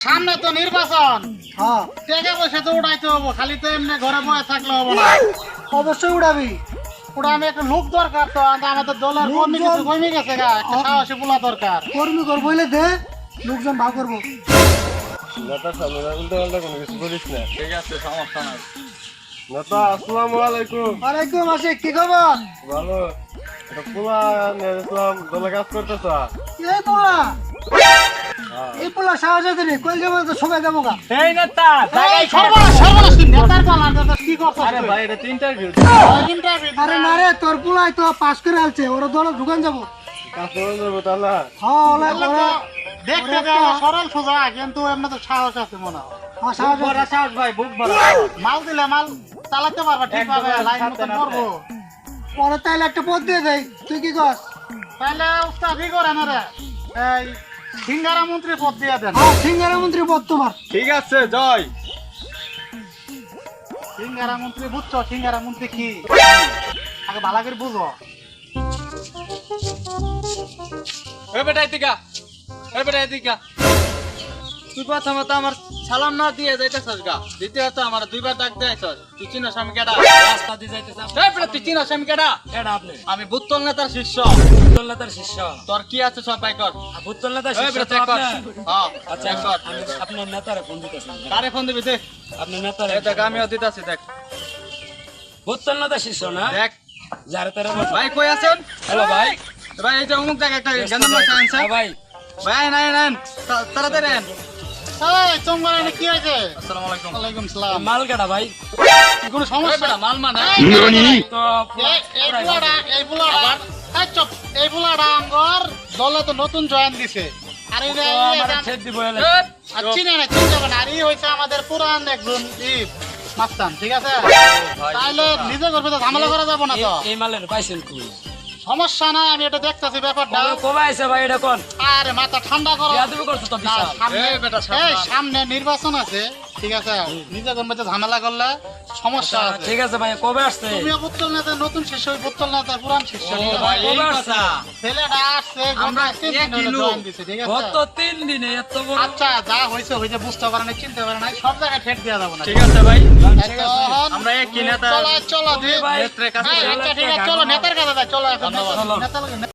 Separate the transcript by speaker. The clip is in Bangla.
Speaker 1: সামনে তো নির্বাচন,
Speaker 2: হ্যাঁ
Speaker 1: টাকা পয়সা তো উঠাইতে হবো, খালি তো এমনি ঘরে বসে থাকলে হবো না।
Speaker 2: অবশ্যই উড়াবি।
Speaker 1: ওটা আমি একটা লোক দরকার, তো আমাদের দলের কর্মী কিছু কমে গেছে গা, একটা সাহসী পোলা দরকার।
Speaker 2: কর্মী করবো বলে দে, লোকজন ভাগ করবো।
Speaker 3: নেতা সামনে উল্টো পাল্টা কোনো কিছু করিস না।
Speaker 1: ঠিক আছে, সমস্যা নাই।
Speaker 3: নেতা আসসালামু আলাইকুম।
Speaker 2: ওয়ালাইকুম আসে, কি খবর?
Speaker 3: ভালো। এটা পোলা নিয়ে ইসলাম দলে কাজ করতেছ?
Speaker 2: এই পোলা, এই পোলা সাহস আছে রে, কই যাবো তো সবাই যাবো গা।
Speaker 4: এই নেতা
Speaker 1: এই সর্বনাশ, সর্বনাশ, তুই নেতার পালা, নেতা কি করছিস?
Speaker 4: আরে ভাই এটা তো ইন্টারভিউ।
Speaker 2: আরে না রে, তোর পোলাই তো পাস করে আলছে, ওরা দলে ঢুকান যাবো।
Speaker 3: কাজ করে যাবো তাহলে?
Speaker 2: হ্যাঁ ওলা ওরা
Speaker 1: দেখতে সরল সোজা, কিন্তু এমনি তো সাহস আছে মনে হয়।
Speaker 2: হ্যাঁ সাহস আছে।
Speaker 4: বড় সাহস ভাই, বুক বড়।
Speaker 1: মাল দিলে মাল চালাতে পারবা ঠিকভাবে,
Speaker 4: একদম
Speaker 1: লাইন
Speaker 4: সাথে
Speaker 1: মতো
Speaker 4: নাতে।
Speaker 1: করবো।
Speaker 2: পরে তাইলে একটা পদ দিয়ে দেয়, তুই কি কর?
Speaker 1: তাহলে উস্তাদি করেন রে, এই সিঙ্গারা মন্ত্রী পদ দিয়ে দেন।
Speaker 2: হ্যাঁ সিঙ্গারা মন্ত্রী পদ তোমার।
Speaker 4: ঠিক আছে জয়।
Speaker 1: সিঙ্গারা মন্ত্রী বুঝছো? সিঙ্গারা মন্ত্রী কি আগে ভালো করে বুঝো।
Speaker 4: এই বেটা এদিকে, এই বেটা এদিকে। তুই প্রথমে তো আমার সালাম না দিয়ে যাইতেছস গা, দ্বিতীয়ত আমার দুইবার ডাক দেয়ছস। তুই চিনস আমি কেডা? রাস্তা দিয়ে যাইতেছস। এই বেটা তুই চিনস আমি কেডা?
Speaker 5: কেডা আপনি?
Speaker 4: আমি বুত্তল নেতার শিষ্য।
Speaker 5: ভূতল নেতার শিষ্য।
Speaker 4: তোর কি আছে সব বাই কর।
Speaker 5: ভূতল নেতার
Speaker 4: এই
Speaker 5: শিষ্য
Speaker 4: বেটা
Speaker 5: তো
Speaker 4: চেক কর।
Speaker 5: আপনি?
Speaker 4: হ্যাঁ
Speaker 5: আচ্ছা
Speaker 4: চেক কর।
Speaker 5: আমি আপনার নেতারে ফোন দিতেছেন।
Speaker 4: কারে ফোন দিবি দে।
Speaker 5: আপনার নেতারে।
Speaker 4: এই দেখ আমিও দিতাছি দেখ।
Speaker 5: ভূতল নেতার শিষ্য না?
Speaker 4: দেখ
Speaker 5: যারে তারে
Speaker 4: ভাই কই আছেন?
Speaker 5: হ্যালো ভাই।
Speaker 4: ভাই এই যে অমুক জায়গায় একটা গেন্দাম লাগছে আনছে।
Speaker 5: হ্যাঁ ভাই।
Speaker 4: ভাই নাই নেন তাড়াতাড়ি নেন।
Speaker 1: এই তোমরা এনে কি হয়েছে?
Speaker 4: আসসালামু আলাইকুম।
Speaker 1: ওয়ালাইকুম সালাম।
Speaker 5: মাল কেডা ভাই?
Speaker 1: কি কোনো
Speaker 4: এই
Speaker 1: সমস্যা?
Speaker 4: বেটা মাল মানে
Speaker 5: তো
Speaker 1: এই বুলাটা এই চুপ, এই বুলাটা আমগর দলে তো নতুন জয়েন দিছে। আর এই
Speaker 5: আমার ছেদ দিব এলে।
Speaker 1: চিনে না, চিনতে হবে না। আর এই হয়েছে আমাদের পুরান একজন মাস্তান, ঠিক আছে? তাহলে নিজে করবে তো, ঝামেলা করা যাবো না তো।
Speaker 5: এই মালের পাইছেন কই?
Speaker 1: সমস্যা নাই, আমি এটা দেখতেছি ব্যাপারটা।
Speaker 5: কবে আইছে ভাই এটা কোন?
Speaker 1: আরে মাথা ঠান্ডা করো।
Speaker 5: বিয়াদবি করছো তো
Speaker 1: না,
Speaker 5: বিশাল।
Speaker 1: সামনে
Speaker 4: এই বেটা সাবধান।
Speaker 1: এই সামনে নির্বাচন আছে, ঠিক আছে? নিজে করবে তো ঝামেলা করলে সমস্যা আছে।
Speaker 5: ঠিক আছে ভাই, কবে আসছে?
Speaker 1: তুমিও পুত্তল নেতার নতুন শিষ্য, ওই পুত্তল নেতার পুরান শিষ্য,
Speaker 4: ও
Speaker 1: ঠিক আছে?
Speaker 4: ভাই এই
Speaker 5: কবে
Speaker 4: কথা।
Speaker 5: আসছে?
Speaker 1: ছেলেটা আসছে,
Speaker 4: আমরা
Speaker 1: আমরা 3 দিন
Speaker 4: একই
Speaker 1: হলো
Speaker 4: লোক।
Speaker 1: জয়েন দিছে, ঠিক আছে?
Speaker 5: গত 3 দিনে এত বড়।
Speaker 1: আচ্ছা, যা হয়েছে হয়েছে, বুঝতে পারে না, চিনতে পারে না, সব জায়গায় ঠেট দেওয়া যাবে না।
Speaker 4: ঠিক আছে ভাই।
Speaker 1: এখন
Speaker 4: আমরা একই নেতা
Speaker 1: চলো চলো
Speaker 5: ভাই।
Speaker 4: নেত্রের কাছে
Speaker 1: হ্যাঁ, আচ্ছা ঠিক আছে, চলো নেতার কাছে যাই, চলো এখন
Speaker 4: ধন্যবাদ।
Speaker 1: নেতার